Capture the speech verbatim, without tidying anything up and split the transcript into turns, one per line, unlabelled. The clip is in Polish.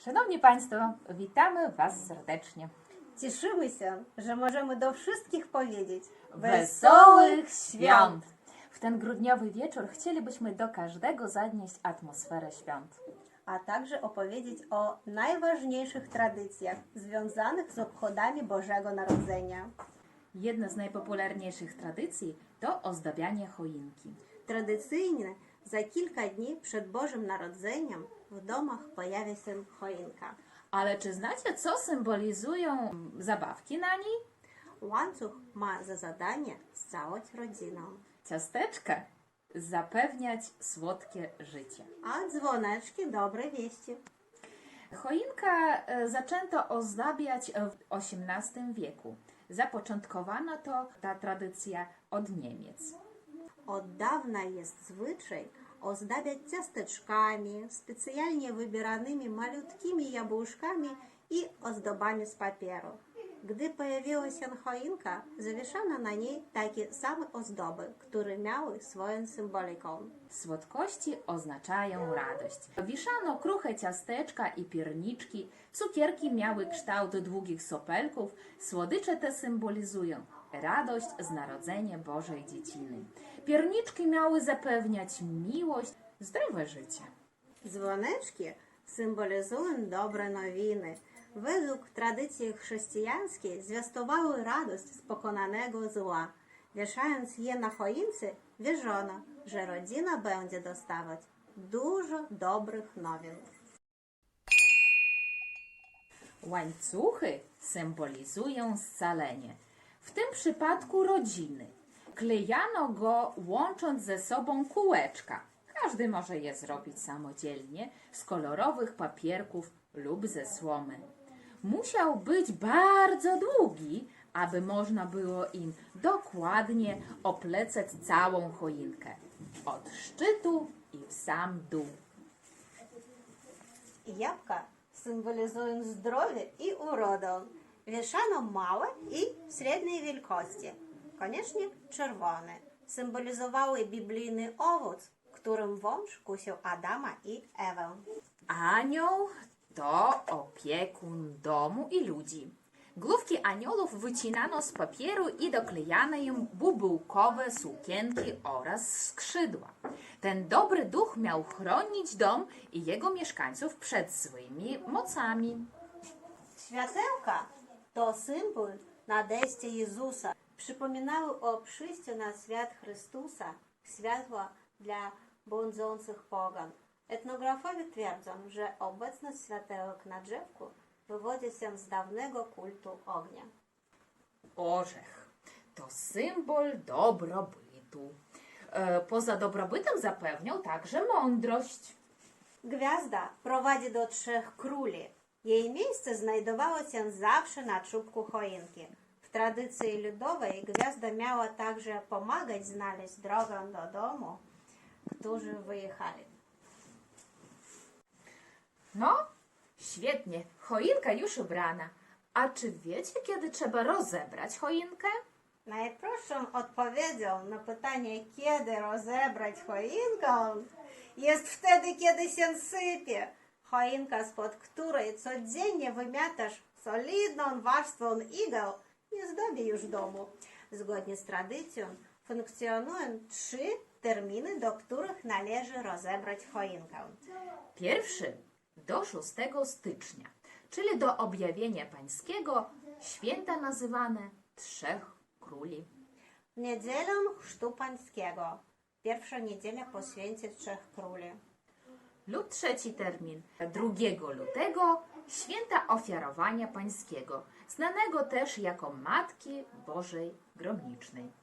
Szanowni Państwo, witamy Was serdecznie.
Cieszymy się, że możemy do wszystkich powiedzieć
Wesołych świąt! W ten grudniowy wieczór chcielibyśmy do każdego zanieść atmosferę świąt.
a także opowiedzieć o najważniejszych tradycjach związanych z obchodami Bożego Narodzenia.
Jedna z najpopularniejszych tradycji to ozdabianie choinki.
Tradycyjnie za kilka dni przed Bożym Narodzeniem w domach pojawia się choinka.
Ale czy znacie, co symbolizują zabawki na niej?
Łańcuch ma za zadanie całać rodziną,
Ciasteczka zapewniać słodkie życie.
a dzwoneczki dobre wieści.
Choinka e, zaczęto ozdabiać w osiemnastym wieku. Zapoczątkowano to ta tradycja od Niemiec.
Od dawna jest zwyczaj ozdabiać ciasteczkami, specjalnie wybieranymi malutkimi jabłuszkami i ozdobami z papieru. Gdy pojawiła się choinka, zawieszano na niej takie same ozdoby, które miały swoją symboliką.
Słodkości oznaczają radość. Wiszano kruche ciasteczka i pierniczki, cukierki miały kształt długich sopelków, słodycze te symbolizują radość z narodzenia Bożej Dzieciny. Pierniczki miały zapewniać miłość, zdrowe życie.
Dzwoneczki symbolizują dobre nowiny. Według tradycji chrześcijańskiej zwiastowały radość z pokonanego zła. Wieszając je na choince, wierzono, że rodzina będzie dostawać dużo dobrych nowin.
Łańcuchy symbolizują scalenie. W tym przypadku rodziny. Klejano go łącząc ze sobą kółeczka. Każdy może je zrobić samodzielnie z kolorowych papierków lub ze słomy. Musiał być bardzo długi, aby można było im dokładnie oplecać całą choinkę. Od szczytu i w sam dół.
Jabłka symbolizują zdrowie i urodę. Wieszano małe i średniej wielkości, koniecznie czerwone. Symbolizowały biblijny owoc, którym wąż kusił Adama i Ewę.
Anioł to opiekun domu i ludzi. Główki aniołów wycinano z papieru i doklejano im bubułkowe sukienki oraz skrzydła. Ten dobry duch miał chronić dom i jego mieszkańców przed złymi mocami.
Światełka to symbol nadejścia Jezusa. Przypominały o przyjściu na świat Chrystusa, światła dla błądzących pogan. Etnografowie twierdzą, że obecność światełek na drzewku wywodzi się z dawnego kultu ognia.
Orzech to symbol dobrobytu. E, Poza dobrobytem zapewniał także mądrość.
Gwiazda prowadzi do trzech króli. Jej miejsce znajdowało się zawsze na czubku choinki. W tradycji ludowej gwiazda miała także pomagać znaleźć drogę do domu, którzy wyjechali.
No, świetnie, choinka już ubrana. A czy wiecie, kiedy trzeba rozebrać choinkę?
Najprostszą odpowiedzią na pytanie, kiedy rozebrać choinkę, jest wtedy, kiedy się sypie. Choinka, spod której codziennie wymiatasz solidną warstwą igieł, nie zdobi już domu. Zgodnie z tradycją funkcjonują trzy terminy, do których należy rozebrać choinkę.
Pierwszy do szóstego stycznia, czyli do objawienia pańskiego, święta nazywane Trzech Króli.
W niedzielę Chrztu Pańskiego, pierwsza niedziela po święcie Trzech Króli.
Lub trzeci termin, drugiego lutego, święta ofiarowania pańskiego, znanego też jako Matki Bożej Gromnicznej.